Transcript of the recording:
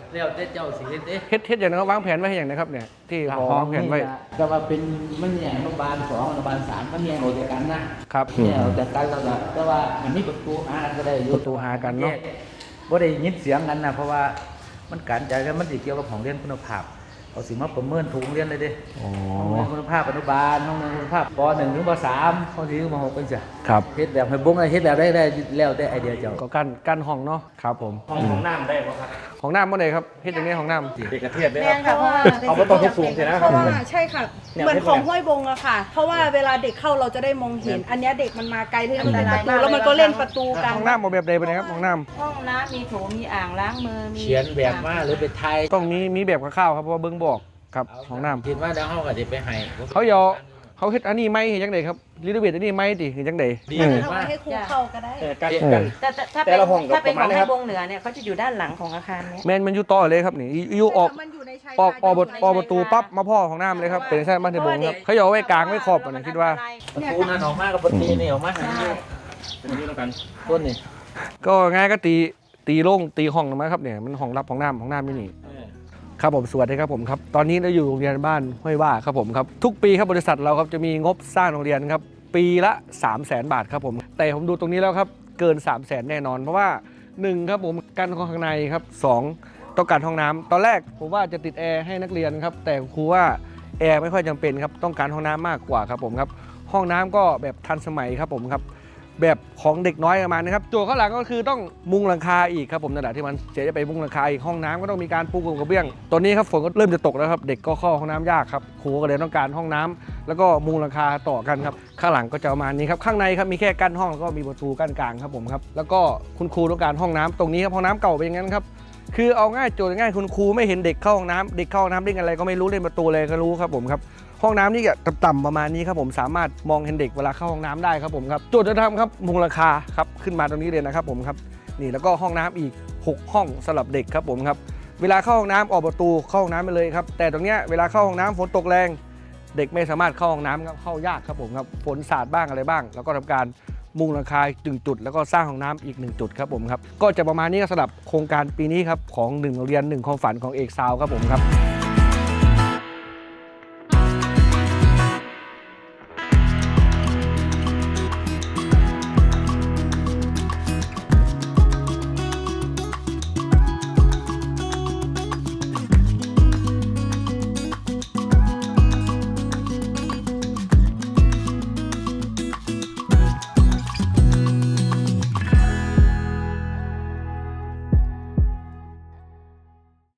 แล้วแต่เจ้าสิเฮ็ดเด้เฮ็ดอย่างนั้นวางแผนไว้ให้อย่างนะครับเนี่ยที่พอวางแผนไว้ก็ว่าเป็นมันเนี่ยอนุบาล2อนุบาล3มันแยกออกจากกันนะครับแยกออกจากกันแล้วก็ว่ามันมีประตูหากันก็ได้อยู่ประตูหากันเนาะบ่ได้ยินเสียงกันนะเพราะว่ามันการจ่ายกันมันสิเกี่ยวกับของเรียนคุณภาพเอาสิมาประเมินทุกโรงเรียนเลยเด้อ๋อห้องเรียนคุณภาพอนุบาลห้องเรียนคุณภาพป .1 ถึงป .3 ห้อง4ถึงป .6 เป็นจ้ะครับเฮ็ดแบบให้บุ้งเฮ็ดแบบได้แล้วแต่ไอเดียเจ้าก็กั้นห้องเนาะครับผมของน้ำได้ป่ะครับของน้ำเมื่อไหร่ครับเฮ็ดอย่างนี้ของน้ำเด็กกระเทียบได้แม่ครับค่ะเพราะว่าเขาไม่ต้องทุบสูงใช่ไหมครับเพราะว่าใช่ค่ะเหมือนของห้วยบงอะค่ะ เพราะว่าเวลาเด็กเข้าเราจะได้มองเห็น อันเนี้ยเด็กมันมาไกลที่มันเป็นประตูแล้วมันก็เล่นประตูกันห้องน้ำเอาแบบใดไปนะครับห้องน้ห้องน้ำมีโถมีอ่างล้างมือมีเขียนแบบมาหรือไปไทยำต้องมีแบบคร่าวๆครับเพราะว่าเบิ้งบอกครับห้องน้ำคิดว่าแล้วเฮาก็สิไปให้เขาเฮ็ดอันนี้ไหมเฮ็ดจังไดครับรีโนเวทอันนี้ไหมติเฮ็ดจังไดดีก็เลจะยทำว่าให้ครูเข้าก็ได้กันเออกันถ้าแต่ละห้องก็ถ้าเป็นประขมาอณงนี้ครับให้วงเหนือเนี่ยเขาจะอยู่ด้านหลังของอาคารเนี้ยแม่นมันอยู่ต่อเลยครับนี่อยู่ออกมันอยู่ในชายออกคาประตูปั๊บมาพ่อของน้ำเลยครับเป็นใช่บ้านเทบงครับเขาเอาไว้กลางไว้ขอบอันนั้นคิดว่าประตูนั้นออกมากับประตูนี่ออกมาให้มันอยู่เป็นที่ต้องการต้นนี่ก็ง่ายก็ตีโล่งตีห้องนะครับเนี่ยมันห้องรับของน้ำไม่นี่ครับผมสวัสดีครับผมครับตอนนี้เราอยู่โรงเรียนบ้านห้วยว่าครับผมครับทุกปีครับบริษัทเราครับจะมีงบสร้างโรงเรียนครับปีละ300,000 บาทครับผมแต่ผมดูตรงนี้แล้วครับเกิน300,000แน่นอนเพราะว่า1ครับผมการข้างในครับ2ต้องการห้องน้ำตอนแรกผมว่าจะติดแอร์ให้นักเรียนครับแต่ครูว่าแอร์ไม่ค่อยจำเป็นครับต้องการห้องน้ำมากกว่าครับผมครับห้องน้ำก็แบบทันสมัยครับผมครับแบบของเด็กน้อยประมาณนะครับโจทย์ข้างหลังก็คือต้องมุงหลังคาอีกครับผมนั่นแหละที่มันเสียจะไปมุงหลังคาอีกห้องน้ำก็ต้องมีการปูกระเบื้องตอนนี้ครับฝนก็เริ่มจะตกแล้วครับเด็กก็เข้าห้องน้ำยากครับครูก็เลยต้องการห้องน้ำแล้วก็มุงหลังคาต่อกันครับข้างหลังก็จะประมาณนี้ครับข้างในครับมีแค่กั้นห้องแล้วก็มีประตูกั้นกลางครับผมครับแล้วก็คุณครูต้องการห้องน้ำตรงนี้ครับห้องน้ำเก่าเป็นอย่างนั้นครับคือเอาง่ายโจทย์ง่ายคุณครูไม่เห็นเด็กเข้าห้องน้ำเด็กเข้าห้องน้ำเล่นอะไรก็ไม่รู้เล่นประตูอะไรก็รู้ครับผมครับห้องน้ำนี่จะต่ำประมาณนี้ครับผมสามารถมองเห็นเด็กเวลาเข้าห้องน้ำได้ครับผมครับโจทย์จะทำครับมุงราคาครับขึ้นมาตรงนี้เลยนะครับผมครับนี่แล้วก็ห้องน้ำอีก6ห้องสำหรับเด็กครับผมครับเวลาเข้าห้องน้ำออกประตูเข้าห้องน้ำไปเลยครับแต่ตรงเนี้ยเวลาเข้าห้องน้ำฝนตกแรงเด็กไม่สามารถเข้าห้องน้ำครับเข้ายากครับผมครับฝนสาดบ้างอะไรบ้าง แล้วก็ทำการมุงราคา1จุดแล้วก็สร้างห้องน้ำอีก1จุดครับผมครับก็จะประมาณนี้สำหรับโครงการปีนี้ครับของ1โรงเรียน1ความฝันของเอกซาวครับผมครับ